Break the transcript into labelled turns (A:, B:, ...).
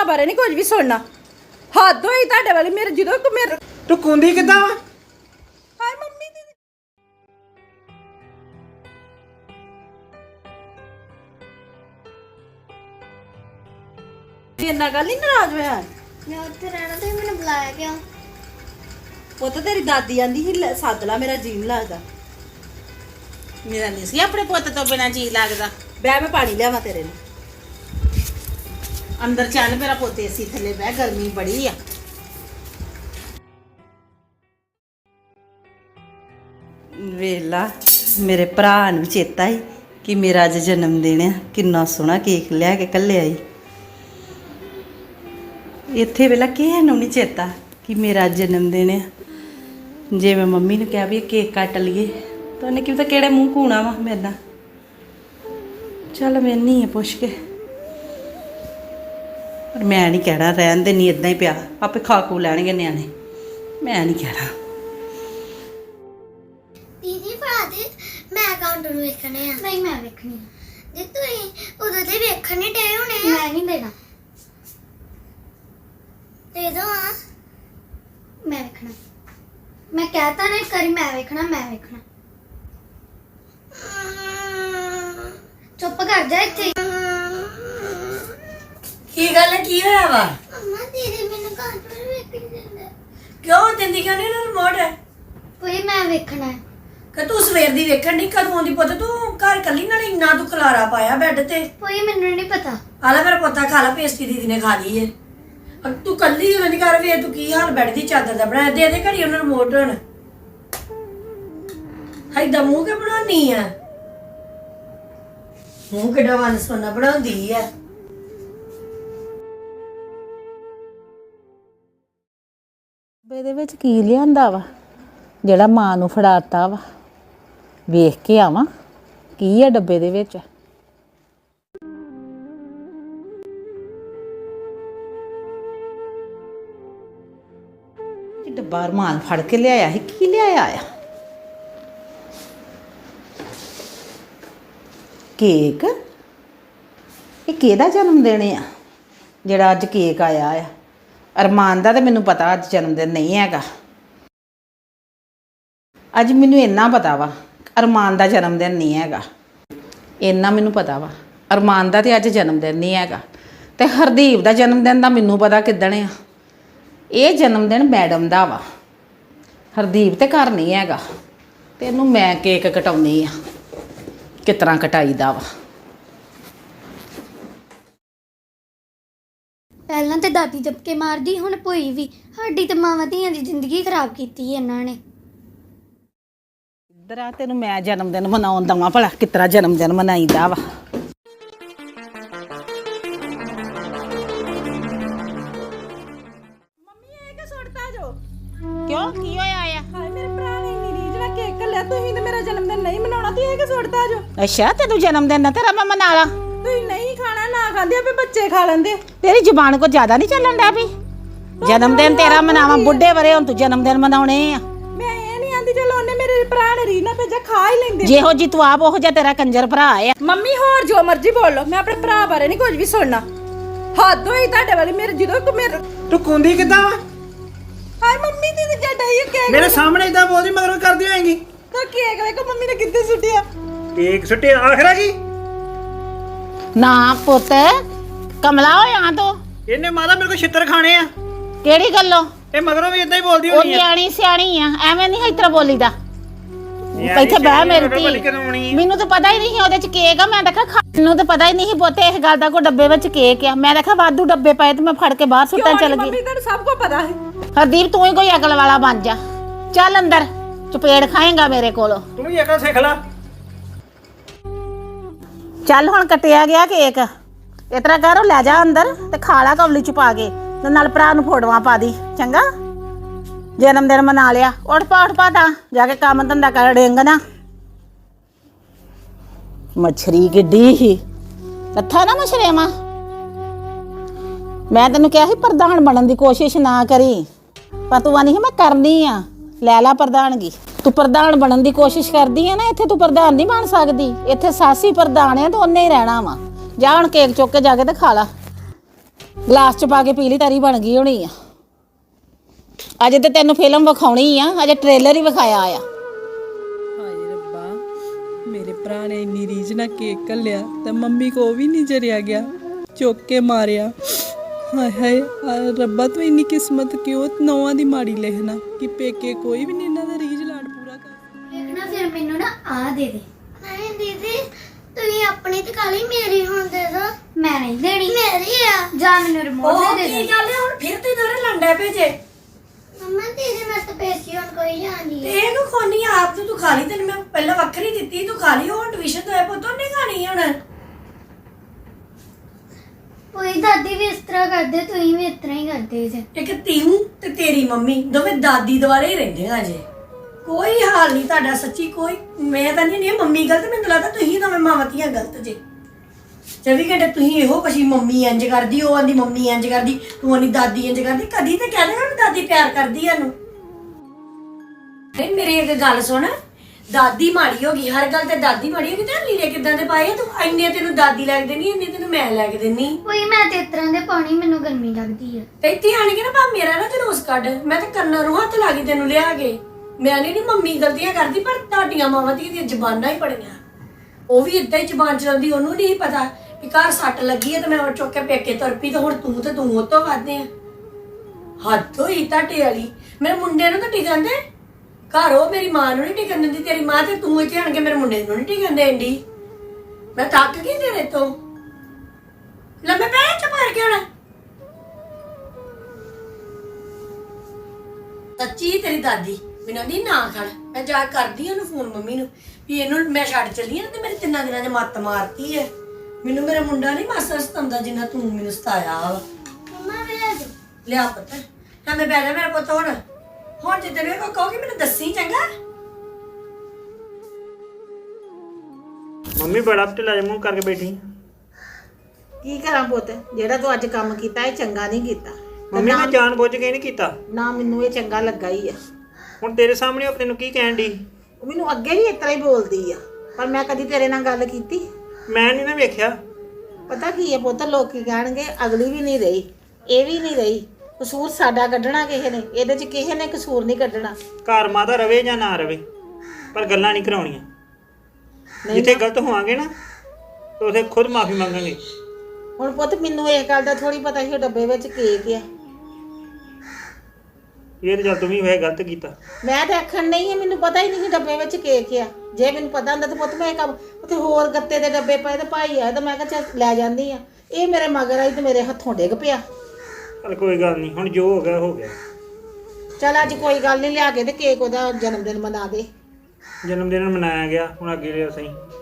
A: ਭਰਾ ਬਾਰੇ ਨਹੀਂ ਕੁਝ ਵੀ ਸੁਣਨਾ। ਹੱਦ ਹੋਈ ਤੁਹਾਡੇ ਵਾਲੀ। ਮੇਰੇ ਜਦੋਂ ਮੇਰੇ
B: ਤੂੰ ਕੁੰਦੀ ਕਿੱਦਾਂ ਵਾ?
A: ਹਾਏ ਮੰਮੀ ਦੀ ਇੰਨਾ ਗੱਲ ਨਹੀਂ ਨਾਰਾਜ਼ ਹੋਇਆ।
C: ਮੈਂ ਉੱਥੇ ਰਹਿਣਾ ਤੇ ਮੈਨੂੰ ਬੁਲਾਇਆ ਕਿਉਂ?
A: ਪੁੱਤ ਤੇਰੀ ਦਾਦੀ ਆਂਦੀ ਸੀ ਸੱਦ ਲਾ, ਮੇਰਾ ਜੀਣ ਲੱਗਦਾ।
D: ਮੇਰਾ ਨਹੀਂ ਸੀ ਆਪਣੇ ਪੁੱਤ ਤੋਂ ਬਿਨਾ ਜੀ ਲੱਗਦਾ।
A: ਬਹਿ ਮੈਂ ਪਾਣੀ ਲਿਆਵਾਂ ਤੇਰੇ ਲਈ।
D: ਅੰਦਰ ਚੱਲ ਮੇਰਾ ਪੁੱਤ ਏਸੀ ਥੱਲੇ ਬਹਿ, ਗਰਮੀ ਬੜੀ ਆ।
A: ਵੇਲਾ ਮੇਰੇ ਭਰਾ ਨੂੰ ਚੇਤਾ ਹੀ ਕਿ ਮੇਰਾ ਅੱਜ ਜਨਮ ਦਿਨ ਆ। ਕਿੰਨਾ ਸੋਹਣਾ ਕੇਕ ਲਿਆ ਕੇ ਘੱਲਿਆ ਈ। ਇੱਥੇ ਵੇਲਾ ਕਿਸੇ ਨੂੰ ਨਹੀਂ ਚੇਤਾ ਕਿ ਮੇਰਾ ਜਨਮ ਦਿਨ ਆ। ਜੇ ਮੈਂ ਮੰਮੀ ਨੂੰ ਕਿਹਾ ਵੀ ਇਹ ਕੇਕ ਕੱਟ ਲਈਏ ਤਾਂ ਉਹਨੇ ਕਿਹਾ ਕਿਹੜੇ ਮੂੰਹ ਘੂਣਾ ਵਾ ਮੇਰੇ ਨਾਲ। ਚੱਲ ਮੈਂ ਨਹੀਂ ਪੁੱਛ ਕੇ, ਪਰ ਮੈਂ ਨਹੀਂ ਕਹਿਣਾ, ਰਹਿਣ ਦੇ, ਨਹੀਂ ਇਦਾਂ ਹੀ ਪਿਆ, ਆਪੇ ਖਾ ਖੂ ਲੈਣਗੇ ਨਿਆਣੇ, ਮੈਂ ਨਹੀਂ ਕਹਿਣਾ।
C: ਦੀਦੀ ਭਰਾ ਦੇ ਮੈਂ ਅਕਾਊਂਟ ਨੂੰ ਵੇਖਣੇ ਆ। ਨਹੀਂ ਮੈਂ ਵੇਖਣੀ ਆ। ਜੇ ਤੂੰ ਉਦੋਂ ਦੇ ਵੇਖਣੇ ਡੇ ਹੋਣੇ ਆ। ਮੈਂ ਨਹੀਂ ਦੇਣਾ। ਦੇ ਦੋ ਆ। ਮੈਂ ਵੇਖਣਾ। ਮੈਂ ਕਹਤਾ ਨਾ ਕਰੀ ਮੈਂ ਵੇਖਣਾ, ਮੈਂ ਵੇਖਣਾ। ਚੁੱਪ ਕਰ ਜਾ ਇੱਥੇ।
E: ਕੀ ਗੱਲ ਹੈ? ਕੀ ਹੋਇਆ ਵਾ?
C: ਅੰਮਾ ਦੀਦੀ ਮੈਨੂੰ ਕਾਰਟੂਨ ਵੇਖਣ ਦਿੰਦਾ।
E: ਕਿਉਂ ਦਿੰਦੀ ਕਿਉਂ ਨਹੀਂ ਨਾ ਰਿਮੋਟ ਹੈ?
C: ਕੋਈ ਮੈਂ ਵੇਖਣਾ ਹੈ।
E: ਕਿ ਤੂੰ ਸਵੇਰ ਦੀ ਵੇਖਣ ਨਹੀਂ, ਕਦੋਂ ਆਉਂਦੀ ਪੁੱਤ? ਤੂੰ ਘਰ ਕੱਲੀ ਨਾਲ ਇੰਨਾ ਤੂੰ ਖਲਾਰਾ ਪਾਇਆ ਬੈੱਡ ਤੇ।
C: ਕੋਈ ਮੈਨੂੰ ਨਹੀਂ ਪਤਾ।
E: ਆਲਾ ਮੇਰਾ ਪੁੱਤਾ ਖਾ ਲਾ, ਪੇਸਟੀ ਦੀਦੀ ਨੇ ਖਾ ਲਈ ਏ। ਤੂੰ ਕੱਲੀ ਹੋਣੀ ਘਰ ਵੇ, ਤੂੰ ਕੀ ਹਾਲ ਬੈੱਡ ਦੀ ਚਾਦਰ ਦਾ ਬਣਾਇਆ? ਦੇ ਦੇ ਘੜੀ ਉਹਨਾਂ ਰਿਮੋਟ ਹੁਣ। ਹਾਈਦਾ ਮੂੰਹ ਕੇ ਬਣਾਉਣੀ ਆ? ਮੂੰਹ ਕਿੱਡਾ ਵਨ ਸੋਨਾ ਬਣਾਉਂਦੀ ਆ।
D: ਡੱਬੇ ਦੇ ਵਿੱਚ ਕੀ ਲਿਆਂਦਾ ਵਾ ਜਿਹੜਾ ਮਾਂ ਨੂੰ ਫੜਾਤਾ ਵਾ? ਵੇਖ ਕੇ ਆਵਾਂ ਕੀ ਆ ਡੱਬੇ ਦੇ ਵਿੱਚ।
A: ਡੱਬਾ ਰਮਾਨ ਫੜ ਕੇ ਲਿਆਇਆ ਸੀ, ਕੀ ਲਿਆਇਆ ਆ? ਕੇਕ? ਇਹ ਕਿਹਦਾ ਜਨਮ ਦਿਨ ਆ ਜਿਹੜਾ ਅੱਜ ਕੇਕ ਆਇਆ ਆ? ਅਰਮਾਨ ਦਾ ਤੇ ਮੈਨੂੰ ਪਤਾ ਅੱਜ ਜਨਮ ਦਿਨ ਨਹੀਂ ਹੈਗਾ। ਅੱਜ ਮੈਨੂੰ ਇੰਨਾ ਪਤਾ ਵਾ ਅਰਮਾਨ ਦਾ ਜਨਮ ਦਿਨ ਨਹੀਂ ਹੈਗਾ। ਇੰਨਾ ਮੈਨੂੰ ਪਤਾ ਵਾ ਅਰਮਾਨ ਦਾ ਤੇ ਅੱਜ ਜਨਮ ਦਿਨ ਨਹੀਂ ਹੈਗਾ। ਤੇ ਹਰਦੀਪ ਦਾ ਜਨਮ ਦਿਨ ਦਾ ਮੈਨੂੰ ਪਤਾ ਕਿੱਦਣ ਆ। ਇਹ ਜਨਮ ਦਿਨ ਮੈਡਮ ਦਾ ਵਾ, ਹਰਦੀਪ ਤੇ ਘਰ ਨਹੀਂ ਹੈਗਾ। ਤੇ ਇਹਨੂੰ ਮੈਂ ਕੇਕ ਕਟਾਉਣੀ ਆ, ਕਿਸ ਤਰ੍ਹਾਂ ਕਟਾਈਦਾ ਵਾ।
C: ਪਹਿਲਾਂ ਤੇ ਦਾਦੀ ਜੱਪਕੇ ਮਾਰਦੀ, ਹੁਣ ਭੋਈ ਵੀ। ਸਾਡੀ ਤੇ ਮਾਵਾਂ ਧੀਆਂ ਦੀ ਜ਼ਿੰਦਗੀ ਖਰਾਬ ਕੀਤੀ ਇਹਨਾਂ ਨੇ।
A: ਇੱਧਰ ਆ, ਤੈਨੂੰ ਮੈਂ ਜਨਮ ਦਿਨ ਮਨਾਉਣ ਦਵਾਂ ਭਲਾ ਕਿਸ ਤਰ੍ਹਾਂ ਜਨਮ ਦਿਨ ਮਨਾਈਦਾ ਵਾ।
D: ਕਿਉਂ ਕੀ ਹੋਇਆ ਆ?
A: ਹਾਏ ਮੇਰੇ ਭਰਾ ਨੇ ਇੰਨੀ ਰੀਝ ਨਾਲ ਕੇਕ ਕੱਲਿਆ, ਤੁਸੀਂ ਤੇ ਮੇਰਾ ਜਨਮ ਦਿਨ ਨਹੀਂ ਮਨਾਉਣਾ, ਤੁਸੀਂ ਇਹ ਕਿ ਸੁੱਟਦਾ ਜੋ?
D: ਅੱਛਾ ਤੈਨੂੰ ਜਨਮ ਦਿਨ ਨਾ ਤੇਰਾ ਮੈਂ ਮਨਾ ਲਾ।
A: ਤੁਸੀਂ ਨਹੀਂ ਖਾਣਾ, ਨਾ ਖਾਂਦੇ ਆਪੇ ਬੱਚੇ ਖਾ ਲੈਂਦੇ।
D: ਤੇਰੀ ਜ਼ੁਬਾਨ ਕੋ ਜ਼ਿਆਦਾ ਨਹੀਂ ਚੱਲਣ ਡਿਆ ਵੀ? ਜਨਮ ਦਿਨ ਤੇਰਾ ਮਨਾਵਾਂ, ਬੁੱਢੇ ਵਰੇ ਹੁਣ ਤੂੰ ਜਨਮ ਦਿਨ ਮਨਾਉਣੇ ਆ।
A: ਮੈਂ ਇਹ ਨਹੀਂ ਆਂਦੀ ਚਲੋ ਉਹਨੇ ਮੇਰੇ ਭਰਾ ਨੇ ਰੀਝ ਨਾਲ ਭੇਜਿਆ, ਖਾ ਹੀ ਲੈਂਦੇ।
D: ਜਿਹੋ ਜੀ ਤੂੰ ਆਪ ਉਹੋ ਜਿਹਾ ਤੇਰਾ ਕੰਜਰ ਭਰਾ ਆ।
A: ਮੰਮੀ ਹੋਰ ਜੋ ਮਰਜ਼ੀ ਬੋਲ ਲਓ, ਮੈਂ ਆਪਣੇ ਭਰਾ ਬਾਰੇ ਨਹੀਂ ਕੁਝ ਵੀ ਸੁਣਨਾ। ਹੱਦ ਹੋਈ ਤੁਹਾਡੇ ਵਾਲੀ। ਮੇਰੇ ਜਦੋਂ ਮੇਰੇ
B: ਤੂੰ ਕੁੰਦੀ ਕਿੱਦਾਂ ਵਾ?
A: ਹਾਏ ਮੰਮੀ ਦੀ ਜੱਡਾ ਹੀ ਕੇਕ
B: ਮੇਰੇ ਸਾਹਮਣੇ ਇਦਾਂ ਬੋਲਦੀ ਮਗਰੋਂ ਕਰਦੀ ਹੋਏਗੀ।
A: ਤਾਂ ਕੇਕ ਵੇਖੋ ਮੰਮੀ ਨੇ ਕਿੱਥੇ ਸੁੱਟਿਆ।
B: ਕੇਕ ਸੁੱਟੇ ਆਖਰਾ ਕੀ?
D: ਨਾ ਪੁੱਤ ਕਮਲਾ ਹੋਇਆ ਤੂੰ।
B: ਇਹਨੇ ਮਾਤਾ ਮੇਰੇ ਕੋਲ ਛਿੱਤਰ ਖਾਣੇ ਆ।
D: ਕਿਹੜੀ ਗੱਲੋਂ?
B: ਇਹ ਮਗਰੋਂ ਵੀ ਇਦਾਂ ਹੀ ਬੋਲਦੀ
D: ਉਹ
B: ਹੋਣੀ ਆ।
D: ਨਿਆਣੀ ਸਿਆਣੀ ਆ, ਐਵੇਂ ਨਹੀਂ ਇਸ ਤਰ੍ਹਾਂ ਬੋਲੀਦਾ। ਇੱਥੇ ਬਹਿ ਮੇਰੀ ਧੀ। ਮੈਨੂੰ ਤਾਂ ਪਤਾ ਹੀ ਨਹੀਂ ਉਹਦੇ ਚ ਕੇਕ ਆ। ਮੈਂ ਦੇਖਿਆ ਮੈਨੂੰ ਤਾਂ ਪਤਾ ਹੀ ਨਹੀਂ ਪੁੱਤੇ ਇਸ ਗੱਲ ਦਾ। ਕੋਈ ਡੱਬੇ ਵਿੱਚ ਕੇਕ ਆ, ਮੈਂ ਦੇਖਿਆ ਵਾਧੂ ਡੱਬੇ ਪਏ ਤੇ ਮੈਂ ਫੜ ਕੇ ਬਾਹਰ ਸੁੱਟਣ ਚੱਲ ਗਈ।
A: ਮੰਮੀ ਤੁਹਾਨੂੰ ਸਭ ਕੁਝ ਪਤਾ ਹੈ।
D: ਹਰਦੀਪ ਤੂੰ ਹੀ ਕੋਈ ਅਕਲ ਵਾਲਾ ਬਣ ਜਾ। ਚੱਲ ਅੰਦਰ, ਚਪੇੜ ਖਾਏਗਾ ਮੇਰੇ ਕੋਲੋਂ।
B: ਤੂੰ ਵੀ ਅਕਲ ਸਿੱਖ ਲੈ।
D: ਚੱਲ ਹੁਣ ਕੱਟਿਆ ਗਿਆ ਕੇਕ, ਇਸ ਤਰ੍ਹਾਂ ਕਰ ਲੈ ਜਾ ਅੰਦਰ ਤੇ ਖਾ ਲਾ ਕੌਲੀ ਚ ਪਾ ਕੇ, ਤੇ ਨਾਲ ਭਰਾ ਨੂੰ ਫੋਟੋਆਂ ਪਾ ਦੀ। ਚੰਗਾ ਜਨਮ ਦਿਨ ਮਨਾ ਲਿਆ। ਉੱਠ ਪਾ ਤਾਂ ਜਾ ਕੇ ਕੰਮ ਧੰਦਾ ਕਰ। ਡਿੰਗ ਨਾ ਮੱਛਰੀ ਕਿੱਡੀ ਸੀ ਲੱਥਾ ਨਾ ਮਛਰੇਵਾ। ਮੈਂ ਤੈਨੂੰ ਕਿਹਾ ਸੀ ਪ੍ਰਧਾਨ ਬਣਨ ਦੀ ਕੋਸ਼ਿਸ਼ ਨਾ ਕਰੀ, ਪਰ ਤੂੰ ਆਨੀ ਸੀ ਮੈਂ ਕਰਨੀ ਆ। ਲੈ ਲਾ ਪ੍ਰਧਾਨਗੀ। ਤੂੰ ਪ੍ਰਧਾਨ ਬਣਨ ਦੀ ਕੋਸ਼ਿਸ਼ ਕਰਦੀ ਆ ਨਾ, ਇੱਥੇ ਤੂੰ ਪ੍ਰਧਾਨ ਨਹੀਂ ਬਣ ਸਕਦੀ। ਇੱਥੇ ਸਾਸੀ ਪ੍ਰਧਾਨ ਆ ਤੇ ਉਹਨੇ ਹੀ ਰਹਿਣਾ ਵਾ। ਜਾ ਹੁਣ ਕੇਕ ਚੁੱਕ ਕੇ ਜਾ ਕੇ ਤੇ ਖਾ ਲਾ। ਗਲਾਸ ਚ ਪਾ ਕੇ ਪੀ ਲਈ ਤਰੀ ਬਣ ਗਈ ਹੋਣੀ ਆ। ਅਜੇ ਤੇ ਤੈਨੂੰ ਫਿਲਮ ਵਿਖਾਉਣੀ ਆ, ਅਜੇ ਟ੍ਰੇਲਰ ਹੀ ਵਿਖਾਇਆ ਆ।
F: ਹਾਏ ਰੱਬਾ, ਮੇਰੇ ਭਰਾ ਨੇ ਇੰਨੀ ਰੀਝ ਨਾਲ ਕੇਕ ਘੱਲਿਆ ਤੇ ਮੰਮੀ ਕੋ ਵੀ ਨਹੀਂ ਜਰਿਆ ਗਿਆ, ਚੁੱਕ ਕੇ ਮਾਰਿਆ। ਹਾਏ ਹਾਏ ਰੱਬਾ, ਤੂੰ ਇੰਨੀ ਕਿਸਮਤ ਕਿਉਂ ਨੌਵਾਂ ਦੀ ਮਾੜੀ ਲਿਖਣਾ ਕਿ ਪੇਕੇ ਕੋਈ ਵੀ ਨਹੀਂ ਇਹਨਾਂ ਦਾ ਰੀਝ ਲਾਡ ਪੂਰਾ ਕਰ।
C: ਦੇਖਣਾ ਫਿਰ ਮੈਨੂੰ ਨਾ ਆ ਦੇ ਦੇ। ਨਹੀਂ ਦੀਦੀ, ਤੁਸੀਂ ਆਪਣੀ ਤੇ ਕਾਲੀ ਮੇਰੀ ਹੁਣ ਦੇ ਦੋ। ਮੈਂ ਨਹੀਂ ਦੇਣੀ, ਮੇਰੀ ਆ। ਜਾ ਮੈਨੂੰ ਰਿਮੋਟ
E: ਉਹ
C: ਦੇ
E: ਕੀ
C: ਦੇ।
E: ਗੱਲ ਹੈ ਹੁਣ ਫਿਰ ਤੇ ਦੋਰੇ ਲੰਡਾ ਭੇਜੇ
C: ਮੰਮਾ ਦੀਦੀ ਮੈਂ ਤਾਂ ਪੇਸੀ ਹੁਣ ਕੋਈ ਜਾਣੀ
E: ਤੇ ਇਹ ਨੂੰ ਖੋਣੀ ਆਪ ਤੇ ਤੂੰ ਖਾ ਲਈ, ਤੈਨੂੰ ਮੈਂ ਪਹਿਲਾਂ ਵੱਖਰੀ ਦਿੱਤੀ, ਤੂੰ ਖਾ ਲਈ। ਹੁਣ ਟਿਊਸ਼ਨ ਤੋਂ ਆਏ ਪੁੱਤ ਉਹਨੇ ਖਾਣੀ ਹੁਣ।
C: ਕੋਈ ਦਾਦੀ ਵੀ ਇਸ ਤਰ੍ਹਾਂ ਕਰਦੇ, ਤੁਸੀਂ ਵੀ ਇਸ ਤਰ੍ਹਾਂ ਹੀ ਕਰਦੇ ਜੇ।
E: ਇੱਕ ਤੀਮੂ ਤੇ ਤੇਰੀ ਮੰਮੀ ਦੋਵੇਂ ਦਾਦੀ ਦੁਆਲੇ ਹੀ ਰਹਿੰਦੇ ਆ ਜੇ। ਕੋਈ ਹਾਲ ਨਹੀਂ ਤੁਹਾਡਾ ਸੱਚੀ, ਕੋਈ ਮੈਂ ਤਾਂ ਨਹੀਂ ਮੰਮੀ ਗਲਤ, ਮੈਨੂੰ ਲੱਗਦਾ ਤੁਸੀਂ ਦੋਵੇਂ ਮਾਵਾਂ-ਧੀਆਂ ਗਲਤ ਜੇ। 24 ਘੰਟੇ ਤੁਸੀਂ ਇਹੋ ਕਸ਼ੀ ਮੰਮੀ ਇੰਜ ਕਰਦੀ, ਉਹ ਆਂਦੀ ਮੰਮੀ ਇੰਜ ਕਰਦੀ, ਤੂੰ ਆਂਦੀ ਦਾਦੀ ਇੰਜ ਕਰਦੀ। ਕਦੀ ਤੇ ਕਹਿ ਦੇਗਾ ਦਾਦੀ ਪਿਆਰ ਕਰਦੀ ਆ ਨੂੰ। ਨਹੀਂ ਮੇਰੀ ਇੱਕ ਗੱਲ ਸੁਣ, ਦਾਦੀ ਮਾੜੀ ਹੋ ਗਈ, ਹਰ ਗੱਲ ਤੇ ਦਾਦੀ ਮਾੜੀ ਹੋ ਗਈ। ਤੇ ਲੀੜੇ ਕਿੱਦਾਂ ਦੇ ਪਾਏ ਤੂੰ? ਇੰਨੇ ਤੈਨੂੰ ਦਾਦੀ ਲੈ ਕੇ ਦੇਣੀ, ਇੰਨੇ ਤੈਨੂੰ ਮੈਂ ਲੈ ਕੇ ਦੇਣੀ।
C: ਕੋਈ ਮੈਂ ਤੇ ਇਸ ਤਰ੍ਹਾਂ ਦੇ ਪਾਣੀ, ਮੈਨੂੰ ਗਰਮੀ ਲੱਗਦੀ ਆ।
E: ਤੇ ਇੱਥੇ ਆਣ ਕੇ ਨਾ ਭਾ ਮੇਰਾ ਨਾ ਜਲੂਸ ਕੱਢ, ਮੈਂ ਤੇ ਕੰਨਾਂ ਨੂੰ ਹੱਥ ਲਾ ਕੇ ਤੈਨੂੰ ਲਿਆ ਕੇ। ਮੈਂ ਨਹੀਂ ਮੰਮੀ ਗਲਤੀਆਂ ਕਰਦੀ, ਪਰ ਤੁਹਾਡੀਆਂ ਮਾਵਾਂ ਦੀਆਂ ਜ਼ਬਾਨਾਂ ਹੀ ਬੜੀਆਂ। ਉਹ ਵੀ ਏਦਾਂ ਹੀ ਜ਼ਬਾਨ ਚਲਾਉਂਦੀ, ਉਹਨੂੰ ਨਹੀਂ ਪਤਾ ਕਿ ਘਰ ਸੱਟ ਲੱਗੀ ਹੈ ਤੇ ਮੈਂ ਉਹ ਚੁੱਕ ਕੇ ਪੇਕੇ ਤੁਰ ਪਈ। ਤੇ ਹੁਣ ਤੂੰ ਉਹ ਤੋਂ ਵੱਧਦੇ ਆ। ਹੱਦ ਹੋਈ ਤੁਹਾਡੇ ਵਾਲੀ। ਮੇਰੇ ਮੁੰਡੇ ਨੂੰ ਤਾਂ ਟਿਕਣ ਦੇ, ਘਰ ਉਹ ਮੇਰੀ ਮਾਂ ਨੂੰ ਨਹੀਂ ਟਿਕਣ ਦਿੰਦੀ ਤੇਰੀ ਮਾਂ, ਤੇ ਤੂੰ ਇੱਥੇ ਆਣ ਕੇ ਮੇਰੇ ਮੁੰਡੇ ਨੂੰ ਨਹੀਂ ਟਿਕਣ ਦੇਂਦੀ। ਮੈਂ ਥੱਕ ਗਈ ਤੇਰੇ ਤੋਂ। ਲੰਮੇ ਪੈ ਚ ਮਾਰ ਕੇ ਹੁਣ। ਸੱਚੀ ਤੇਰੀ ਦਾਦੀ ਮੈਨੂੰ ਨਹੀਂ ਨਾ ਖੜ, ਮੈਂ ਜਾ ਕਰਦੀ ਉਹਨੂੰ ਫੋਨ ਮੰਮੀ ਨੂੰ ਵੀ ਇਹਨੂੰ ਮੈਂ ਛੱਡ ਚੱਲੀ ਆ ਤੇ ਮੇਰੇ 3 ਦਿਨਾਂ 'ਚ ਮੱਤ ਮਾਰਤੀ ਹੈ। ਮੈਨੂੰ ਮੇਰਾ ਮੁੰਡਾ ਨਹੀਂ ਮਾਸਾ ਸਤਾਉਂਦਾ ਜਿੰਨਾ ਤੂੰ ਮੈਨੂੰ ਸਤਾਇਆ ਵਾ।
C: ਮੰਮਾ ਵੇਖ ਦੇ।
E: ਲਿਆ ਪੁੱਤ ਤਾਂ ਮੈਂ ਬੈਠਾ ਮੇਰਾ ਪੁੱਤ। ਹੁਣ ਜੇ ਤੈਨੂੰ ਕੋਈ ਕਹੋਗੇ ਮੈਨੂੰ ਦੱਸੀ ਚੰਗਾ।
B: ਮੰਮੀ ਬੜਾ ਢਿੱਲਾ ਜਿਹਾ ਮੂੰਹ ਕਰਕੇ ਬੈਠੀ।
D: ਕੀ ਕਰਾਂ ਪੁੱਤ, ਜਿਹੜਾ ਤੂੰ ਅੱਜ ਕੰਮ ਕੀਤਾ ਇਹ ਚੰਗਾ ਨਹੀਂ ਕੀਤਾ।
B: ਮੰਮੀ ਮੈਂ ਜਾਣ ਬੁੱਝ ਕੇ ਨਹੀਂ ਕੀਤਾ,
D: ਨਾ ਮੈਨੂੰ ਇਹ ਚੰਗਾ ਲੱਗਾ ਹੀ ਆ।
B: ਹੁਣ ਤੇਰੇ ਸਾਹਮਣੇ ਉਹ ਤੈਨੂੰ ਕੀ ਕਹਿਣ ਦੀ?
D: ਉਹ ਮੈਨੂੰ ਅੱਗੇ ਵੀ ਇਸ ਤਰ੍ਹਾਂ ਹੀ ਬੋਲਦੀ ਆ, ਪਰ ਮੈਂ ਕਦੀ ਤੇਰੇ ਨਾਲ ਗੱਲ ਕੀਤੀ?
B: ਮੈਂ ਨਹੀਂ ਨਾ ਵੇਖਿਆ।
D: ਪਤਾ ਕੀ ਹੈ ਪੁੱਤ, ਲੋਕੀ ਕਹਿਣਗੇ ਅਗਲੀ ਵੀ ਨਹੀਂ ਰਹੀ, ਇਹ ਵੀ ਨਹੀਂ ਰਹੀ। ਕਸੂਰ ਸਾਡਾ ਕੱਢਣਾ ਕਿਸੇ ਨੇ, ਇਹਦੇ 'ਚ ਕਿਸੇ ਨੇ ਕਸੂਰ ਨਹੀਂ ਕੱਢਣਾ।
B: ਘਰ ਮਾਤਾ ਰਵੇ ਜਾਂ ਨਾ ਰਵੇ, ਪਰ ਗੱਲਾਂ ਨਹੀਂ ਕਰਾਉਣੀਆਂ। ਜਿੱਥੇ ਗਲਤ ਹੋਵਾਂਗੇ ਨਾ ਤੇ ਉਥੇ ਖੁਦ ਮਾਫੀ ਮੰਗਾਂਗੇ।
D: ਹੁਣ ਪੁੱਤ ਮੈਨੂੰ ਇਹ ਗੱਲ ਦਾ ਥੋੜੀ ਪਤਾ ਸੀ ਉਹ ਡੱਬੇ ਵਿੱਚ ਕੇਕ ਆ।
B: ਇਹ ਤੇ ਜਦ ਤੂੰ ਵੀ ਵੈਸੇ ਗਲਤ ਕੀਤਾ।
D: ਮੈਂ ਤਾਂ ਆਖਣ ਨਹੀਂ ਹੈ, ਮੈਨੂੰ ਪਤਾ ਹੀ ਨਹੀਂ ਸੀ ਡੱਬੇ ਵਿੱਚ ਕੇਕ ਆ। ਜੇ ਮੈਨੂੰ ਪਤਾ ਹੁੰਦਾ ਤਾਂ ਪੁੱਤ ਮੈਂ ਕੰਮ ਉੱਥੇ ਹੋਰ ਗੱਤੇ ਦੇ ਡੱਬੇ ਪਏ ਤੇ ਭਾਈ ਆਇਆ ਤਾਂ ਮੈਂ ਕਿਹਾ ਚੱਲ ਲੈ ਜਾਂਦੀ ਆ। ਇਹ ਮੇਰੇ ਮਗਰ ਆਈ ਤੇ ਮੇਰੇ ਹੱਥੋਂ ਡਿੱਗ ਪਿਆ।
B: ਪਰ ਕੋਈ ਗੱਲ ਨਹੀਂ, ਹੁਣ ਜੋ ਹੋ ਗਿਆ ਹੋ ਗਿਆ।
D: ਚੱਲ ਅੱਜ ਕੋਈ ਗੱਲ ਨਹੀਂ, ਲਿਆ ਕੇ ਤੇ ਕੇਕ ਉਹਦਾ ਜਨਮ ਦਿਨ ਮਨਾ ਦੇ।
B: ਜਨਮ ਦਿਨ ਮਨਾਇਆ ਗਿਆ, ਹੁਣ ਅੱਗੇ ਲਿਆ ਸਹੀ।